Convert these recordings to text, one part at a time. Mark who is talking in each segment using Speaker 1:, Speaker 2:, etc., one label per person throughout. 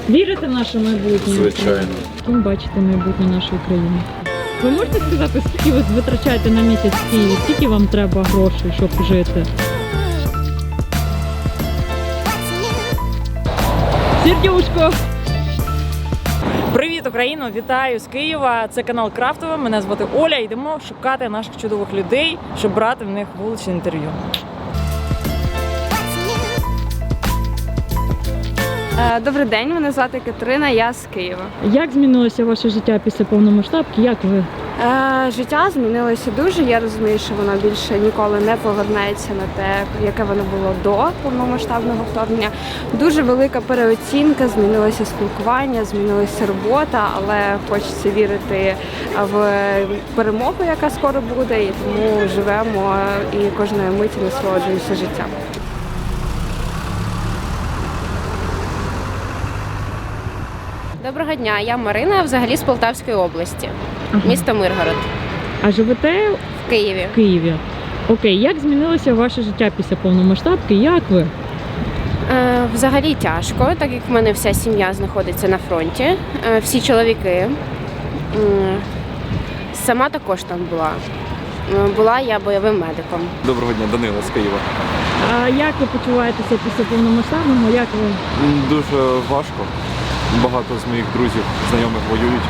Speaker 1: Вірите в наше майбутнє?
Speaker 2: Звичайно.
Speaker 1: Ким бачите майбутнє нашої країни? Ви можете сказати, скільки ви витрачаєте на місяць в Києві? Скільки вам треба грошей, щоб жити? Сердюшко! Привіт, Україно! Вітаю з Києва! Це канал Крафтова. Мене звати Оля. Йдемо шукати наших чудових людей, щоб брати в них вуличне інтерв'ю.
Speaker 3: Добрий день, мене звати Катерина, я з Києва.
Speaker 1: Як змінилося ваше життя після повномасштабки? Як ви?
Speaker 3: Життя змінилося дуже. Я розумію, що воно більше ніколи не повернеться на те, яке воно було до повномасштабного вторгнення. Дуже велика переоцінка, змінилося спілкування, змінилася робота, але хочеться вірити в перемогу, яка скоро буде, і тому живемо і кожної миті насолоджуємося життям.
Speaker 4: Доброго дня, я Марина, взагалі з Полтавської області, місто Миргород,
Speaker 1: А живете
Speaker 4: в Києві.
Speaker 1: в Києві? Окей, як змінилося ваше життя після повномасштабки? Як ви?
Speaker 4: Взагалі тяжко, так як в мене вся сім'я знаходиться на фронті, всі чоловіки. Сама також там була. Була я бойовим медиком.
Speaker 2: Доброго дня, Данила з Києва.
Speaker 1: А як ви почуваєтеся після повномасштабного? Як ви?
Speaker 2: Дуже важко. Багато з моїх друзів, знайомих воюють.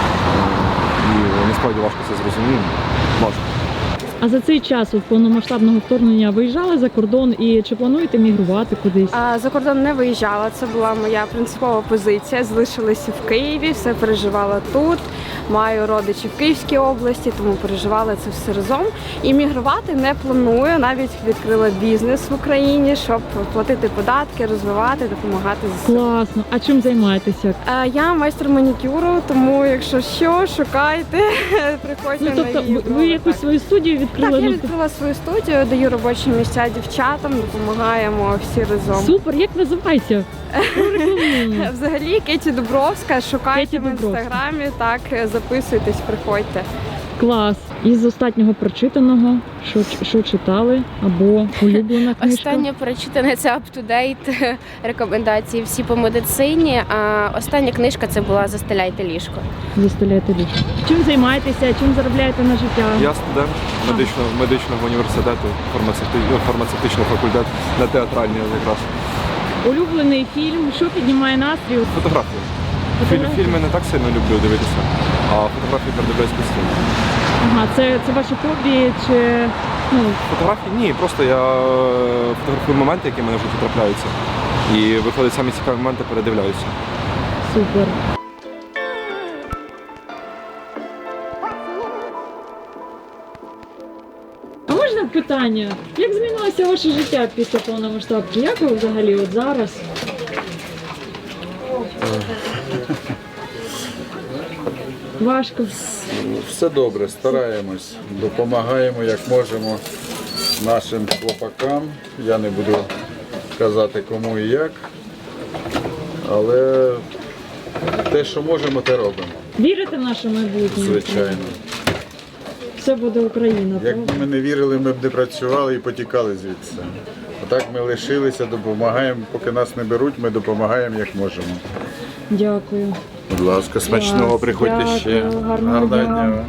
Speaker 2: І насправді важко це зрозуміти. Важко.
Speaker 1: А за цей час від повномасштабного вторгнення виїжджали за кордон і чи плануєте мігрувати кудись?
Speaker 3: За кордон не виїжджала, це була моя принципова позиція. Залишилася в Києві, все переживала тут. Маю родичів в Київській області, тому переживала це все разом. І мігрувати не планую. Навіть відкрила бізнес в Україні, щоб платити податки, розвивати, допомагати ЗСУ.
Speaker 1: Класно. А чим займаєтеся?
Speaker 3: Я майстер манікюру, тому якщо що, шукайте, приходьте
Speaker 1: Ну, тобто
Speaker 3: на її.
Speaker 1: ви якусь свою студію відкрили?
Speaker 3: Так, я
Speaker 1: Ну,
Speaker 3: відкрила свою студію, даю робочі місця дівчатам, допомагаємо всі разом.
Speaker 1: Супер, як називається? Порекламуємо.
Speaker 3: Взагалі Кеті Дубровська, шукайте
Speaker 1: Кеті
Speaker 3: в
Speaker 1: Дубровська.
Speaker 3: інстаграмі, так, записуйтесь, приходьте.
Speaker 1: Клас. Із останнього прочитаного, що читали, або улюблена книжка?
Speaker 4: Останнє прочитане – це up-to-date рекомендації всі по медицині, а остання книжка – це була «Застеляйте ліжко».
Speaker 1: Заставляєте ліжко. Чим займаєтеся, чим заробляєте на життя?
Speaker 2: Я студент медичного університету, фармацевтичний факультет, на театральній якраз.
Speaker 1: Улюблений фільм, що піднімає настрій?
Speaker 2: Фотографії.
Speaker 1: Фотографії?
Speaker 2: Фільми не так сильно люблю дивитися, а фотографії передивляюсь постійно.
Speaker 1: Ага, це ваше хобі чи ну
Speaker 2: Фотографії ні, просто я фотографую моменти, які в мене в житті трапляються. І виходить самі цікаві моменти, передивляюся.
Speaker 1: супер. А можна питання? Як змінилося ваше життя після повномасштабки? Як ви взагалі от зараз? Важко.
Speaker 5: Все добре, стараємось, допомагаємо як можемо нашим хлопакам. Я не буду казати кому і як, але те, що можемо, те робимо.
Speaker 1: Вірите в наше майбутнє?
Speaker 5: Звичайно.
Speaker 1: Все буде Україна.
Speaker 5: Якби
Speaker 1: правда?
Speaker 5: ми не вірили, ми б не працювали і потікали звідси. А так ми лишилися, допомагаємо. Поки нас не беруть, ми допомагаємо як можемо.
Speaker 1: Дякую.
Speaker 5: Будь ласка, смачного,
Speaker 1: Клас,
Speaker 5: приходьте
Speaker 1: дякую,
Speaker 5: ще.
Speaker 1: гарного дня.
Speaker 5: дня.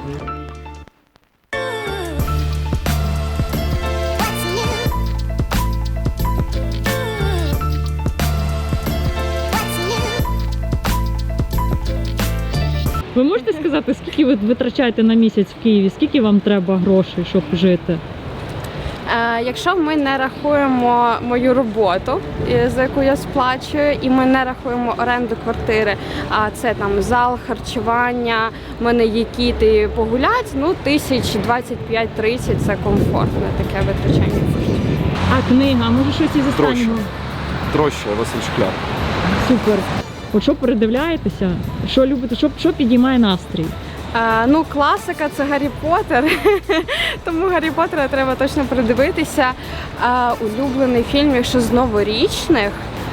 Speaker 1: Ви можете сказати, скільки ви витрачаєте на місяць в Києві? Скільки вам треба грошей, щоб жити?
Speaker 3: Якщо ми не рахуємо мою роботу, за яку я сплачую, і ми не рахуємо оренду квартири, а це там зал, харчування, в мене є кіти погулять, ну 1025-30 це комфортне таке витрачання коштів.
Speaker 1: А книга, може щось із останнього?
Speaker 2: Троща, Василь Шкляр.
Speaker 1: Супер. От що передивляєтеся? Що любите? Що підіймає настрій?
Speaker 3: Ну, класика це Гаррі Поттер, тому Гаррі Поттера треба точно передивитися. Улюблений фільм, якщо з новорічних,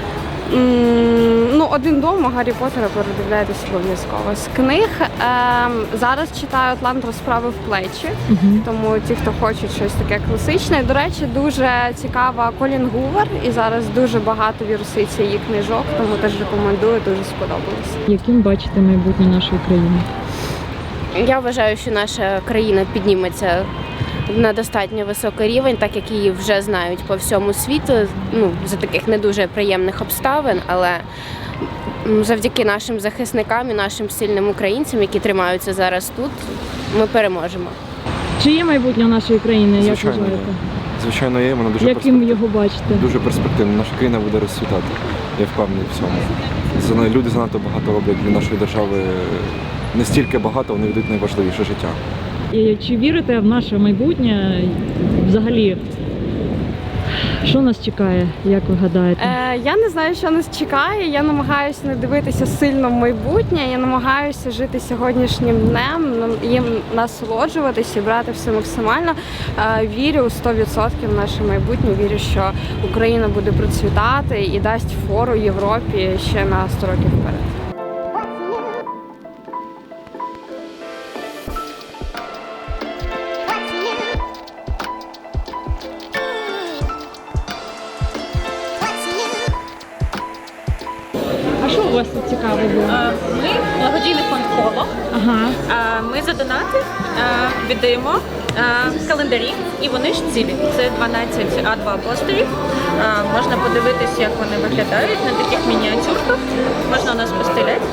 Speaker 3: Ну, «Один дома» Гаррі Поттера передивляйтесь обов'язково. З книг зараз читаю «Атлант розправи в плечі», тому ті, хто хочуть щось таке класичне. До речі, дуже цікава Колін Гувер, і зараз дуже багато віруситься її книжок, тому теж рекомендую, дуже сподобалось.
Speaker 1: Яким бачите майбутнє нашої країни?
Speaker 4: Я вважаю, що наша країна підніметься на достатньо високий рівень, так як її вже знають по всьому світу, за таких не дуже приємних обставин, але завдяки нашим захисникам і нашим сильним українцям, які тримаються зараз тут, ми переможемо.
Speaker 1: Чи є майбутнє нашої країни, як
Speaker 2: Звичайно, є.
Speaker 1: вважаєте?
Speaker 2: Звичайно, є, вона дуже
Speaker 1: Яким його бачите?
Speaker 2: Дуже перспективна. Наша країна буде розцвітати. Я впевнений в цьому. Люди занадто багато роблять для нашої держави. Не стільки багато, вони ведуть найважливіше життя.
Speaker 1: І чи вірите в наше майбутнє? Взагалі, що нас чекає, як ви гадаєте?
Speaker 3: Я не знаю, що нас чекає. Я намагаюся не дивитися сильно в майбутнє. Я намагаюся жити сьогоднішнім днем, їм насолоджуватися і брати все максимально. Вірю 100% в наше майбутнє. Вірю, що Україна буде процвітати і дасть фору Європі ще на 100 років вперед.
Speaker 1: А що у вас тут цікаво було?
Speaker 6: Ми благодійний фонд «Коло».
Speaker 1: Ага.
Speaker 6: Ми за донати віддаємо календарі, і вони ж цілі. Це 12 А2 постерів. Можна подивитися, як вони виглядають на таких мініатюрках. Можна у нас постеляти.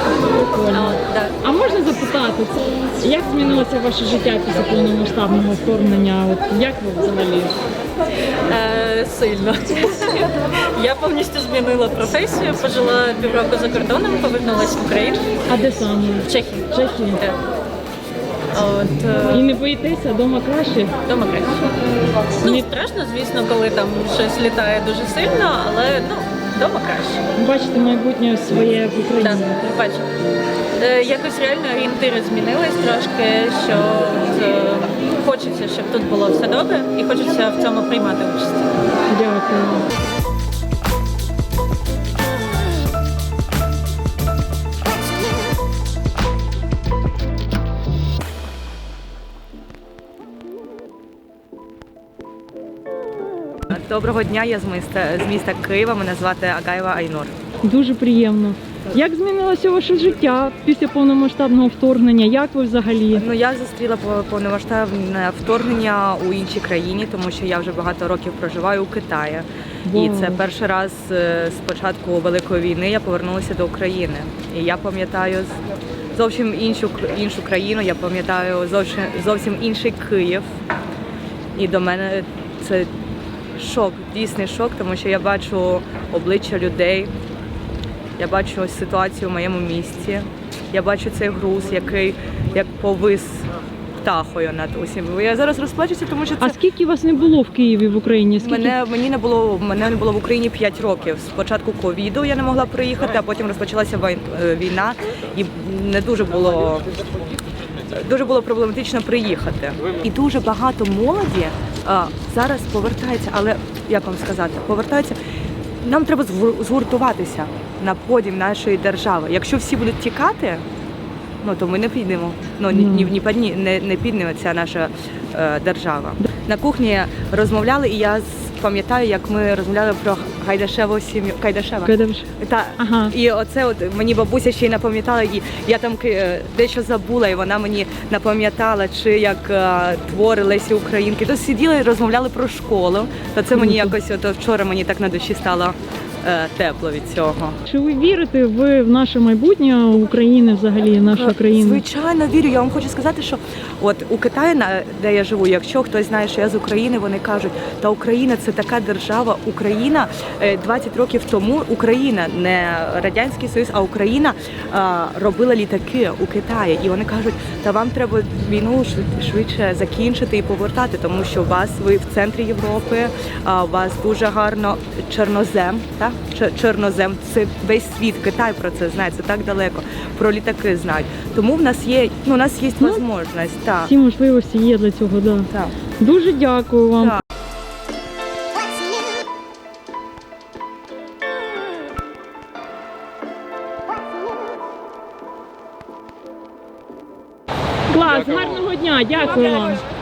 Speaker 1: А можна запитати, як змінилося ваше життя після повномасштабного вторгнення? От як ви взагалі?
Speaker 6: Сильно. Я повністю змінила професію, пожила півроку за кордоном, повернулася в Україну.
Speaker 1: А де саме?
Speaker 6: В Чехії.
Speaker 1: В Чехії?
Speaker 6: Так. От,
Speaker 1: І не боїтеся, вдома краще?
Speaker 6: Дома краще. Ну, страшно, звісно, коли там щось літає дуже сильно, але вдома краще.
Speaker 1: Бачите майбутнє своє в Україні?
Speaker 6: Так, бачу. Якось реально орієнтири змінились трошки, що хочеться, щоб тут було все добре, і хочеться в цьому приймати участь.
Speaker 1: Дякую.
Speaker 7: Доброго дня, я з міста Києва, мене звати Агаєва Айнур.
Speaker 1: Дуже приємно. Як змінилося ваше життя після повномасштабного вторгнення? Як ви взагалі?
Speaker 7: Я зустріла повномасштабне вторгнення у іншій країні, тому що я вже багато років проживаю у Китаї. І це перший раз з початку Великої війни я повернулася до України. І я пам'ятаю зовсім іншу країну, я пам'ятаю зовсім інший Київ. І до мене це шок, дійсний шок, тому що я бачу обличчя людей, я бачу ситуацію в моєму місті, я бачу цей груз, який як повис птахою над усім. Я зараз розплачуся, тому що це...
Speaker 1: А скільки вас не було в Києві, в Україні?
Speaker 7: Мене не було в Україні 5 років. Спочатку ковіду я не могла приїхати, а потім розпочалася війна і не дуже було проблематично приїхати. І дуже багато молоді зараз повертається, але як вам сказати, повертаються. Нам треба згуртуватися на подім нашої держави. Якщо всі будуть тікати, то ми не підемо. Не підніметься наша держава. На кухні розмовляли, і я пам'ятаю, як ми розмовляли про Гайдашеву сім'ю. Кайдашева.
Speaker 1: Ага.
Speaker 7: І оце мені бабуся ще й напам'ятала, і я там дещо забула, і вона мені напам'ятала, чи як твори Лесі Українки. То сиділи і розмовляли про школу. То це мені якось вчора мені так на душі стало тепло від цього.
Speaker 1: Чи ви вірите в наше майбутнє України взагалі, наша країна?
Speaker 7: Звичайно, вірю. Я вам хочу сказати, що от у Китаї, де я живу, якщо хтось знає, що я з України, вони кажуть, та Україна це така держава. Україна 20 років тому, Україна, не Радянський Союз, а Україна робила літаки у Китаї. І вони кажуть, та вам треба війну швидше закінчити і повертати, тому що ви в центрі Європи, у вас дуже гарно чорнозем, так? Чорнозем, це весь світ, Китай про це знає, це так далеко, про літаки знають. Тому в нас є, можливість. Так.
Speaker 1: Всі можливості є для цього, да.
Speaker 7: Так.
Speaker 1: Дуже дякую вам.
Speaker 7: Так.
Speaker 1: гарного дня, дякую вам.